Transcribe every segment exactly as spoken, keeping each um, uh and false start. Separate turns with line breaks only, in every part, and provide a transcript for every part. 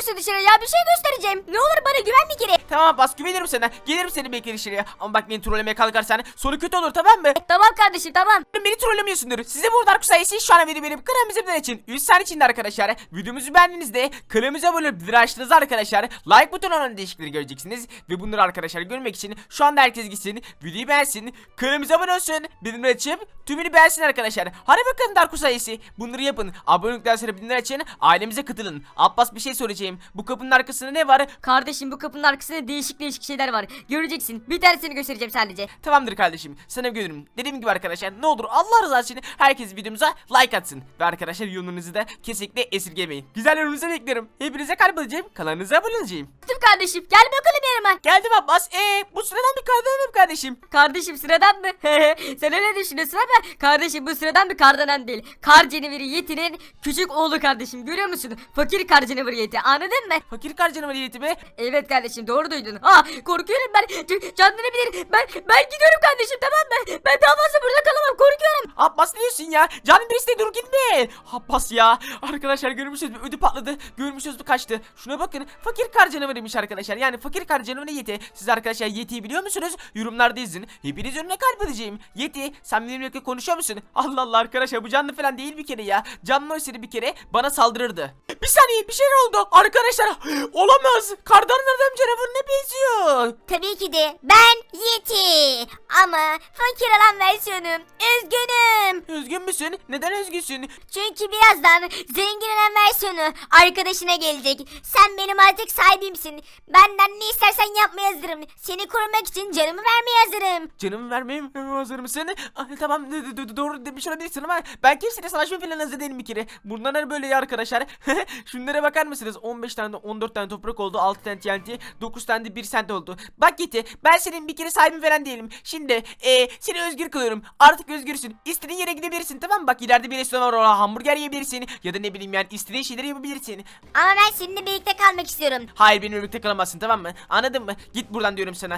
çıkıyorsun dışarı ya? Bir şey göstereceğim. Ne olur bana güven bir kere.
Tamam Abbas, güvenirim sana. Gelirim seni bekle dışarıya. Ama bak, beni trollemeye kalkarsan sonu kötü olur, tamam mı?
Tamam kardeşim tamam.
Beni trollemiyorsundur. Size burada Dark sayısı şu an video benim kanalımızın için üç saniye içinde arkadaşlar. Videomuzu beğendiğinizde kanalımıza abone olup bildirim açtığınızda arkadaşlar like butonundan değişiklikleri göreceksiniz. Ve bunları arkadaşlar görmek için şu anda herkes gitsin, videoyu beğensin, kanalımıza abone olsun, bildirim açıp tümünü beğensin arkadaşlar. Hadi bakalım Dark sayısı. Bunları yapın. Abonelikten sonra bildirim açın. Ailemize katılın. Abbas, bir şey soracağım. Bu kapının arkasında ne var?
Kardeşim bu kapının arkasında değişik değişik şeyler var. Göreceksin. Bir tanesini göstereceğim sadece.
Tamamdır kardeşim, sana güvenirim. Dediğim gibi arkadaşlar, ne olur Allah rızası için herkes videomuza like atsın. Ve arkadaşlar yorumunuzu da kesinlikle esirgemeyin. Güzel yorumunuzu bekliyorum. Hepinize kalp alacağım. Kanalınıza abone olacağım.
Dur kardeşim gel bakalım yanıma.
Geldim Abbas. Eee bu sıradan bir kardeşim kardeşim.
Kardeşim sıradan mı? Sen öyle düşünüyorsun ama kardeşim bu sıradan bir kardanan değil. Kar canaveri Yeti'nin küçük oğlu kardeşim, görüyor musun? Fakir kar canaveri Yeti, anladın mı?
Fakir karcanım niyeti mi?
Evet kardeşim doğru duydun. Ah korkuyorum ben. Canlanabilir. Ben ben gidiyorum kardeşim, tamam mı? Ben daha fazla burada kalamam, korkuyorum.
Abbas ne diyorsun ya? Canım birisi de dur gitme. Abbas ya. Arkadaşlar görmüşsünüz, bir ödü patladı. Görmüşsünüz, bir kaçtı. Şuna bakın. Fakir kar canavarıymış arkadaşlar. Yani fakir kar canavarı Yeti. Siz arkadaşlar Yeti'yi biliyor musunuz? Yorumlarda yazın. Hepiniz önüne kalp edeceğim. Yeti, sen benimle konuşuyor musun? Allah Allah arkadaşlar, bu canlı falan değil bir kere ya. Canlı olsaydı bir kere bana saldırırdı. Bir saniye, bir şeyler oldu. Arkadaşlar olamaz. Kardan adam canavarına benziyor.
Tabii ki de ben Yeti ama fakir olan versiyonum. Üzgünüm.
Üzgün müsün? Neden üzgünsün?
Çünkü birazdan zengin olan versiyonu arkadaşına gelecek. Sen benim artık sahibimsin. Benden ne istersen yapmaya hazırım. Seni korumak için canımı vermeye hazırım.
Canımı vermeye mi hazır mısın? Ah, tamam, d- d- doğru demiş olabilirsin ama ben kimseyle savaşma falan hazır değilim bir kere. Bunlar böyle ya arkadaşlar. Şunlara bakar mısınız? on beş tane on dört tane toprak oldu, altı tane T N T, dokuz tane de bir sent oldu. Bak Yeti, ben senin bir kere sahibin falan değilim. Şimdi ee, seni özgür kılıyorum. Artık özgürsün. İstediğin yere gidebilirsin, tamam mı? Bak ileride bir restoran var, orada hamburger yiyebilirsin. Ya da ne bileyim yani, istediğin şeyleri yapabilirsin.
Ama ben seninle birlikte kalmak istiyorum.
Hayır, benimle birlikte kalamazsın, tamam mı? Anladın mı? Git buradan diyorum sana.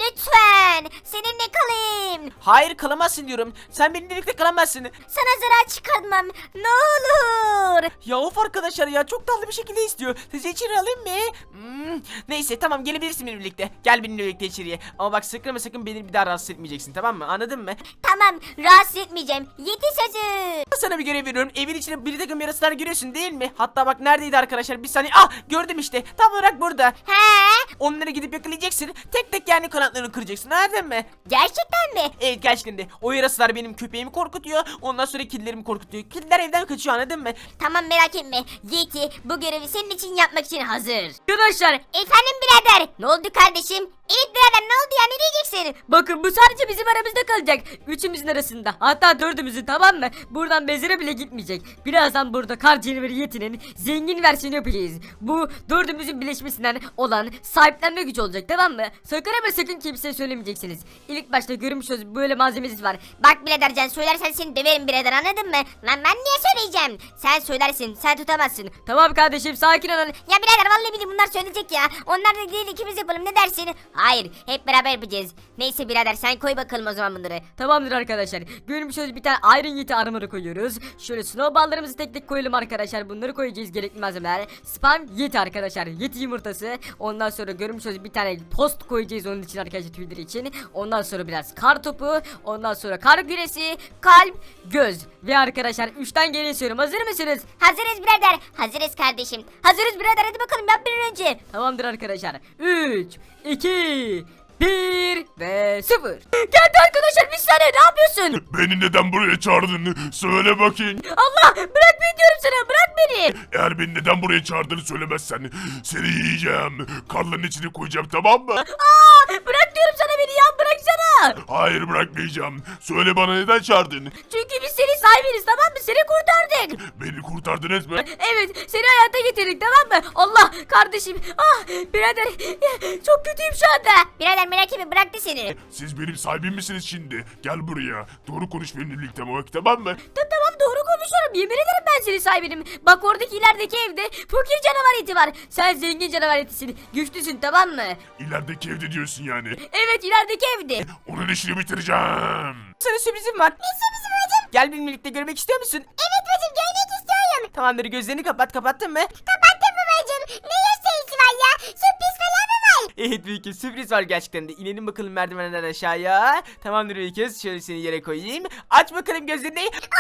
Lütfen seninle kalayım.
Hayır, kalamazsın diyorum. Sen benimle birlikte kalamazsın.
Sana zarar çıkartmam. Ne olur.
Ya of arkadaşlar ya, çok tatlı bir şekilde istiyor. Sizi içeri alayım mı? Hmm, neyse tamam, gelebilirsin benimle birlikte. Gel benimle birlikte içeriye. Ama bak sakın ama sakın beni bir daha rahatsız etmeyeceksin, tamam mı? Anladın mı?
Tamam, rahatsız etmeyeceğim. Yeti sözü.
Sana bir görev veriyorum. Evin içine bir takım yarasalar görüyorsun değil mi? Hatta bak neredeydi arkadaşlar? Bir saniye. Ah, gördüm işte. Tam olarak burada.
He?
Onları gidip yakalayacaksın. Tek tek yani kanatlarını kıracaksın. Anladın mı?
Gerçekten mi?
Evet, gerçekten de. O yarasalar benim köpeğimi korkutuyor. Ondan sonra kedilerimi korkutuyor. Kediler evden kaçıyor, anladın mı?
Tamam, merak etme. Yeti bu görevi senin için yapmak için hazır.
Arkadaşlar
Efendim birader. Ne oldu kardeşim? Evet birader, ne oldu ya, ne diyeceksin?
bakın bu sadece bizim aramızda kalacak. Üçümüzün arasında. Hatta dördümüzün, tamam mı? Buradan bezire bile gitmeyecek. Birazdan burada kar canaveri Yeti'nin zengin versiyonu yapacağız. Bu dördümüzün birleşmesinden olan sahiplenme gücü olacak, tamam mı? Sakın ama sakın kimseye söylemeyeceksiniz. İlk başta görmüş olduğunuz böyle malzemesi var.
Bak birader, can söylersen seni döverim birader, anladın mı? Lan ben niye söyleyeceğim? Sen söylersin, sen tutamazsın.
Tamam kardeşim sakin olun.
Ya birader, vallahi billahi bunlar söyleyecek ya. Onlar da değil, ikimiz yapalım, ne dersin? Hayır, hep beraber yapacağız. Neyse birader, sen koy bakalım o zaman bunları.
Tamamdır arkadaşlar. Görmüş olduğunuz bir tane Iron Yeti armor'ı koyuyoruz. Şöyle snowball'larımızı tek tek koyalım arkadaşlar. Bunları koyacağız, gerekli malzemeler. Spam Yeti arkadaşlar. Yeti yumurtası. Ondan sonra görmüş olduğunuz bir tane post koyacağız onun için arkadaşlar, Twitter için. Ondan sonra biraz kar topu. Ondan sonra kar küresi, kalp, göz. Ve arkadaşlar üçten geriye sayıyorum. Hazır mısınız?
Hazırız birader. Hazırız kardeşim. Hazırız birader, hadi bakalım yap bir an önce.
Tamamdır arkadaşlar. üç, iki, bir ve sıfır. Geldi arkadaşlar, bir saniye, ne yapıyorsun?
Beni neden buraya çağırdın? Söyle bakayım.
Allah, bırak beni diyorum sana, bırak beni.
Eğer beni neden buraya çağırdığını söylemezsen seni yiyeceğim. Karların içine koyacağım, tamam mı?
Aa, bırak diyorum sana, beni ya, bıraksana.
Hayır, bırakmayacağım. Söyle bana, neden çağırdın?
Çünkü biz senin sahibiniz, tamam mı? Seni kurtardık.
Beni kurtardınız mı?
Evet, seni hayata getirdik, tamam mı? Allah, kardeşim. Ah, birader, çok kötüyüm şu anda.
Birader merak etme, bıraktı seni.
Siz benim sahibim misiniz şimdi? Gel buraya. Doğru konuş benimle birlikte, tamam mı?
Ta- tamam doğru konuşuyorum, yemin ederim ben senin sahibinim. Bak oradaki ilerideki evde fakir canavar eti var. Sen zengin canavar etisin, güçlüsün, tamam mı?
İlerideki evde diyorsun yani.
Evet, ilerideki evde.
Onun işini bitireceğim.
Sana sürprizim var.
Ne sürprizi bacım?
Gel benimle birlikte görmek istiyor musun?
Evet bacım, görmek istiyorum.
Tamamdır, gözlerini kapat. Kapattın mı?
Kapattın mı bacım? Ne
Evet büyük kız, sürpriz var gerçekten de. İnelim bakalım merdivenden aşağıya. Tamamdır büyük kız, şöyle seni yere koyayım. Aç bakalım gözlerini.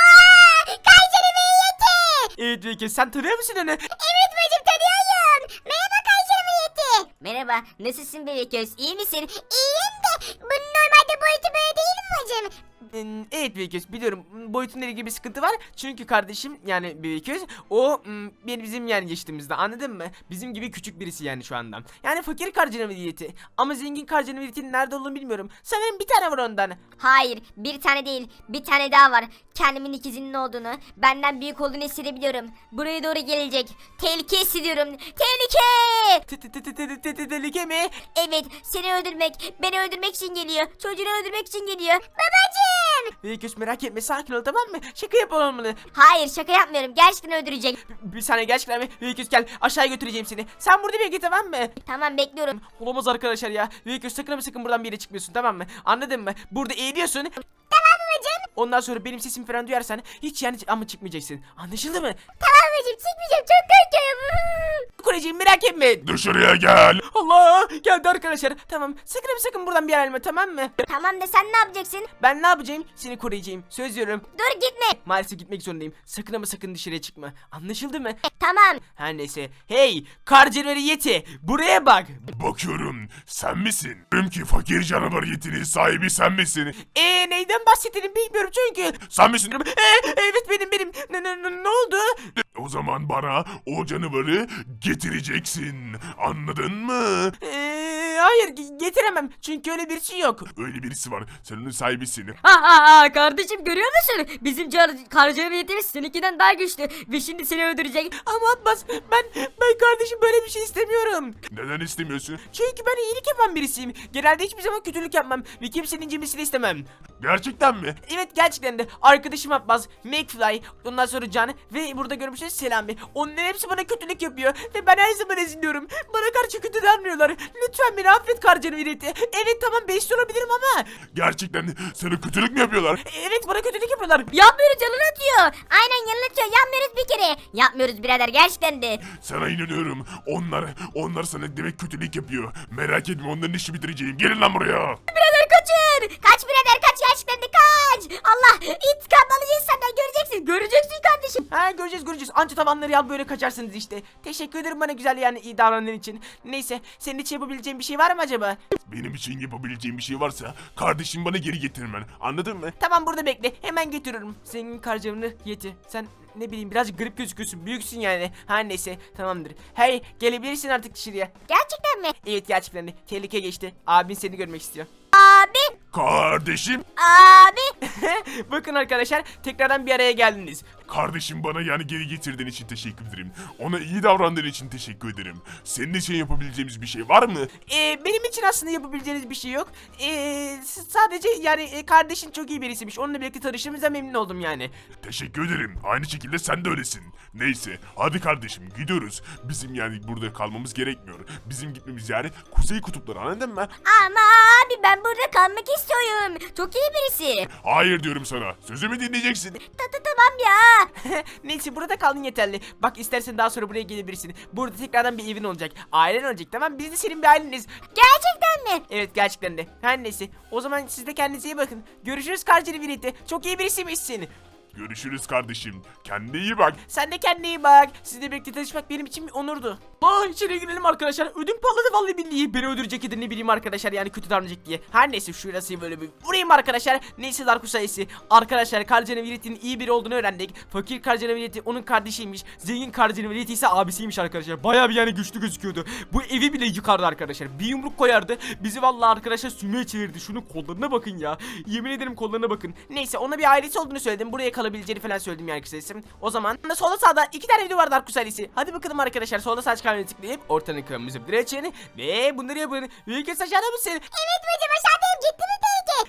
Aa, Kaycanım yeti.
Evet büyük kız, sen tanıyor musun onu?
Evet bacım tanıyorum. Merhaba Kaycanım yeti. Merhaba, nasılsın bebek göz? İyi misin? İyiyim de bunun normalde boyutu böyle değil mi bacım?
Hmm, Evet büyük göz, biliyorum boyutunda ilgili bir sıkıntı var. Çünkü kardeşim yani büyük göz o hmm, benim bizim yani yaşıtımızda, anladın mı? Bizim gibi küçük birisi yani şu anda. Yani fakir karcının veliyeti. Ama zengin karcının veliyetinin nerede olduğunu bilmiyorum. Sanırım bir tane var ondan.
Hayır, bir tane değil, bir tane daha var. Kendimin ikizinin olduğunu, benden büyük olduğunu hissedebiliyorum. Buraya doğru gelecek. Tehlike hissediyorum. Tehlike!
Tı tı tı tı tı tı tı Tehlike mi?
Evet, seni öldürmek, beni öldürmek için geliyor. Çocuğunu öldürmek için geliyor. Babacığım!
Büyük göz merak etme, sakin ol, tamam mı? Şaka yapalım olmalı.
Hayır, şaka yapmıyorum. Gerçekten öldürecek.
Bir saniye, gerçekten mi? Büyük göz gel, aşağıya götüreceğim seni. Sen burada bekle, tamam mı?
Tamam, bekliyorum.
Olamaz arkadaşlar ya. Büyük göz sakın ama sakın buradan bir yere çıkmıyorsun, tamam mı? Anladın mı? Burada eğiliyorsun.
Tamam babacığım.
Ondan sonra benim sesimi falan duyarsan hiç yani ama çıkmayacaksın. Anlaşıldı mı?
Tamam babacığım, çıkmayacağım. Çok korkuyorum.
Kureciğim merak etme.
Dışarıya gel.
Allah, geldi arkadaşlar. Tamam, sakın ama sakın buradan bir yer ayrılma, tamam mı?
Tamam da sen ne yapacaksın?
Ben ne yapacağım? Seni koruyacağım. Söz veriyorum.
Dur gitme.
Maalesef gitmek zorundayım. Sakın ama sakın dışarıya çıkma. Anlaşıldı mı?
Tamam.
Her neyse. Hey, kar canavarı Yeti. Buraya bak.
Bakıyorum sen misin? Diyorum ki fakir canavar yetinin sahibi sen misin?
Eee neyden bahsettiğini bilmiyorum çünkü.
Sen misin?
Ee, evet benim benim. Ne, ne, ne, ne oldu?
O zaman bana o canavarı getireceksin. Anladın mı?
Ee, hayır ge- getiremem. Çünkü öyle birisi yok.
Öyle birisi var. Sen onun sahibisin.
Ha ha ha kardeşim, görüyor musun? Bizim car- karcı niyetimiz seninkinden daha güçlü ve şimdi seni öldürecek.
Ama Abbas ben ben kardeşim böyle bir şey istemiyorum.
Neden istemiyorsun?
Çünkü ben iyilik yapan birisiyim. Genelde hiçbir zaman kötülük yapmam ve kimsenin incimesini istemem.
Gerçekten mi?
Evet gerçekten de arkadaşım Abbas, McFly, ondan sonra Can ve burada görmüşsünüz Selami. Onların hepsi bana kötülük yapıyor ve ben her zaman eziliyorum. Bana karşı kötü davranıyorlar. Lütfen beni affet karcanı vireti. Evet tamam beşli olabilirim ama.
Gerçekten sana kötülük mü yapıyorlar?
Evet bana kötülük yapıyorlar.
Yapmıyoruz, yalan atıyor.
Aynen yanıltıyor. Yapmıyoruz bir kere. Yapmıyoruz birader, gerçekten de.
Sana inanıyorum. Onlar, onlar sana demek kötülük yapıyor. Merak etme onların işi bitireceğim. Gelin lan buraya.
Birader kaçın.
Kaç birader kaç, gerçekten de kaç. Allah, intikam alacağız senden, göreceksin.
Göreceksin kardeşim.
Ha göreceğiz göreceğiz. Anca tavanları yal böyle kaçarsınız işte. Teşekkür ederim bana güzel yani iyi davrandığın için. Neyse senin için yapabileceğin bir şey var mı acaba?
Benim için yapabileceğim bir şey varsa kardeşim bana geri getirmen. Anladın mı?
Tamam burada bekle hemen getiriyorum. Senin karcanı Yeti. Sen ne bileyim birazcık garip gözüküyorsun. Büyüksün yani. Her neyse tamamdır. Hey gelebilirsin artık dışarıya.
Gerçekten mi?
Evet gerçekten de. Tehlike geçti. Abin seni görmek istiyor.
Abi,
Kardeşim.
abi.
Bakın arkadaşlar tekrardan bir araya geldiniz.
Kardeşim bana yani geri getirdiğin için teşekkür ederim. Ona iyi davrandığın için teşekkür ederim. Senin için yapabileceğimiz bir şey var mı?
Ee, benim için aslında yapabileceğiniz bir şey yok. Ee, s- sadece yani e, kardeşin çok iyi birisiymiş. Onunla birlikte tanıştığımıza memnun oldum yani.
Teşekkür ederim. Aynı şekilde sen de öylesin. Neyse hadi kardeşim gidiyoruz. Bizim yani burada kalmamız gerekmiyor. Bizim gitmemiz yani Kuzey Kutupları, anladın mı?
Ama abi ben burada kalmak istiyorum. Çok iyi birisi.
Hayır diyorum sana. Sözümü dinleyeceksin.
Ta ta tamam ya.
Neyse burada kaldın yeterli. Bak istersen daha sonra buraya gelebilirsin. Burada tekrardan bir evin olacak. Ailen olacak tamam. Biz de senin bir aileniz.
Gerçekten mi?
Evet gerçekten de. Her neyse. O zaman siz de kendinize iyi bakın. Görüşürüz kardeşini birlikte. Çok iyi birisiymişsin.
Görüşürüz kardeşim. Kendine iyi bak.
Sen de kendine iyi bak. Sizle birlikte tanışmak benim için bir onurdu. Aa içeri girelim arkadaşlar. Ödüm patladı vallahi billahi. Beni öldürecek ya da ne bileyim arkadaşlar yani kötü davranacak diye. Her neyse şurası böyle bir vurayım arkadaşlar. Neyse Darkus sayısı. Arkadaşlar Karcanaviret'in iyi biri olduğunu öğrendik. Fakir Karcanaviret onun kardeşiymiş. Zengin Karcanaviret ise abisiymiş arkadaşlar. Bayağı bir yani güçlü gözüküyordu. Bu evi bile yıkardı arkadaşlar. Bir yumruk koyardı. Bizi vallahi arkadaşlar sümüğe çevirdi. Şunun kollarına bakın ya. Yemin ederim kollarına bakın. Neyse ona bir ailesi olduğunu söyledim. Buraya kalabileceğini falan söyledim yani kısacası. O zaman solda sağda iki tane video var Darkus ailesi. Hadi bakalım arkadaşlar solda sağ çıkan tıklayıp ortanın kırmızı bir açın ve bunları yapın. Büyük aşağıda mısın?
Evet bacım, aşağıdayım. Gitti mi teyze?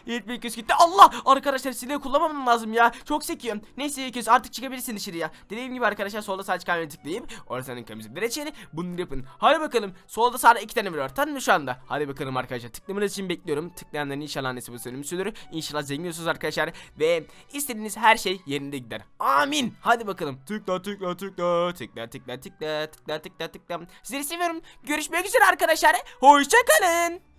Eğitmen köz gitti. Allah! Arkadaşlar silahı kullanmam lazım ya. Çok sekiyorum. Neyse köz artık çıkabilirsin dışarıya. Dediğim gibi arkadaşlar solda sağ çıkarmayı tıklayıp orasının kırmızı direçeni bunu yapın. Hadi bakalım. Solda sağda iki tane var. Tamam mı şu anda? Hadi bakalım arkadaşlar. Tıklamanız için bekliyorum. Tıklayanların inşallah annesi bu sönümü sürür. İnşallah zengin olursunuz arkadaşlar. Ve istediğiniz her şey yerinde gider. Amin. Hadi bakalım. Tıkla tıkla tıkla tıkla tıkla tıkla tıkla tıkla tıkla. Sizleri seviyorum. Görüşmek üzere arkadaşlar. Hoşça kalın.